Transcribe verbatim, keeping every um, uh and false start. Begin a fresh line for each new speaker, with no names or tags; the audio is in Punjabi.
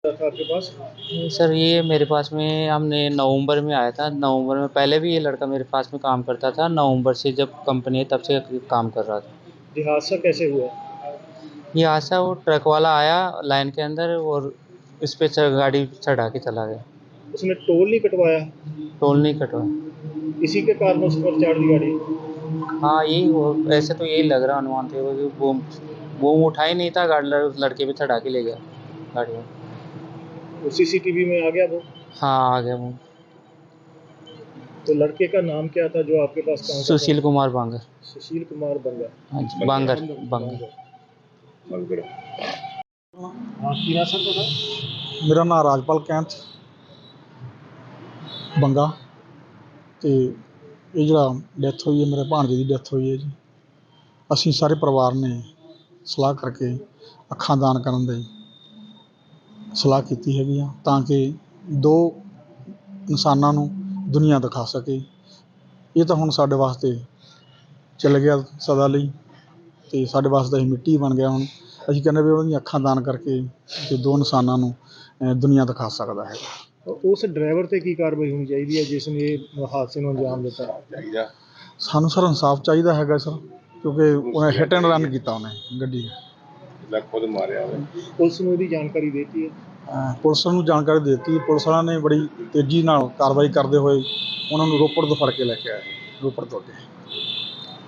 था आपके पास?
सर ये मेरे पास में हमने नवंबर में आया था। नवंबर में पहले भी ये लड़का मेरे पास में काम करता था। नवंबर से जब कंपनी है तब से काम कर रहा था।
ये हादसा कैसे हुआ?
ये हादसा वो ट्रक वाला आया लाइन के अंदर और इस पे च- गाड़ी चढ़ा के चला गया।
उसने टोल नहीं कटवाया?
टोल नहीं कटवाया।
इसी के कारण उस पर चढ़ दी गाड़ी?
हाँ यही वो ऐसे तो यही लग रहा अनुमान थे वो वो वो उठा ही नहीं था गाड़ी उस लड़के पे चढ़ा के ले गया गाड़ी में।
वो सीसीटीवी में आ गया वो?
हाँ आ गया वो।
तो लड़के का नाम क्या था जो आपके पास काम करता
सुशील
था?
कुमार बांगर।
सुशील कुमार बंगा।
हाँ जी बांगर बांगर।
हाँ की ना सर थोड़ा।
मेरा नाम राजपाल कैंथ ਬੰਗਾ ਤੇ ਇਹ ਜਿਹੜਾ ਡੈਥ ਹੋਈ ਹੈ ਮੇਰੇ ਭਾਣਜੇ ਦੀ ਡੈਥ ਹੋਈ ਹੈ ਜੀ। ਅਸੀਂ ਸਾਰੇ ਪਰਿਵਾਰ ਨੇ ਸਲਾਹ ਕਰਕੇ ਅੱਖਾਂ ਦਾਨ ਕਰਨ ਦੀ ਸਲਾਹ ਕੀਤੀ ਹੈਗੀ ਆ ਤਾਂ ਕਿ ਦੋ ਇਨਸਾਨਾਂ ਨੂੰ ਦੁਨੀਆ ਦਿਖਾ ਸਕੇ। ਇਹ ਤਾਂ ਹੁਣ ਸਾਡੇ ਵਾਸਤੇ ਚੱਲ ਗਿਆ ਸਦਾ ਲਈ ਅਤੇ ਸਾਡੇ ਵਾਸਤੇ ਅਸੀਂ ਮਿੱਟੀ ਬਣ ਗਿਆ। ਹੁਣ ਅਸੀਂ ਕਹਿੰਦੇ ਵੀ ਉਹਦੀਆਂ ਅੱਖਾਂ ਦਾਨ ਕਰਕੇ ਅਤੇ ਦੋ ਇਨਸਾਨਾਂ ਨੂੰ ਦੁਨੀਆ ਦਿਖਾ ਸਕਦਾ ਹੈਗਾ।
ਉਸ ਡਰਾਈਵਰ ਤੇ ਕੀ ਕਾਰਵਾਈ ਹੋਣੀ ਚਾਹੀਦੀ ਹੈ ਜਿਸ ਨੇ ਇਹ ਹਾਦਸੇ ਨੂੰ ਅੰਜਾਮ ਦਿੱਤਾ?
ਸਾਨੂੰ ਸਰ ਇਨਸਾਫ ਚਾਹੀਦਾ ਹੈਗਾ ਸਰ, ਕਿਉਂਕਿ ਉਹਨੇ ਹਿੱਟ ਐਂਡ ਰਨ ਕੀਤਾ ਉਹਨੇ ਗੱਡੀ
ਖੁਦ ਮਾਰਿਆ। ਪੁਲਿਸ ਨੂੰ ਇਹਦੀ ਜਾਣਕਾਰੀ ਦੇ ਦਿੱਤੀ ਹੈ?
ਪੁਲਿਸ ਨੂੰ ਜਾਣਕਾਰੀ ਦੇ ਦਿੱਤੀ। ਪੁਲਿਸ ਵਾਲਿਆਂ ਨੇ ਬੜੀ ਤੇਜ਼ੀ ਨਾਲ ਕਾਰਵਾਈ ਕਰਦੇ ਹੋਏ ਉਹਨਾਂ ਨੂੰ ਰੋਪੜ ਤੋਂ ਫੜ ਕੇ ਲੈ ਕੇ ਆਏ, ਰੋਪੜ ਤੋਂ ਅੱਗੇ।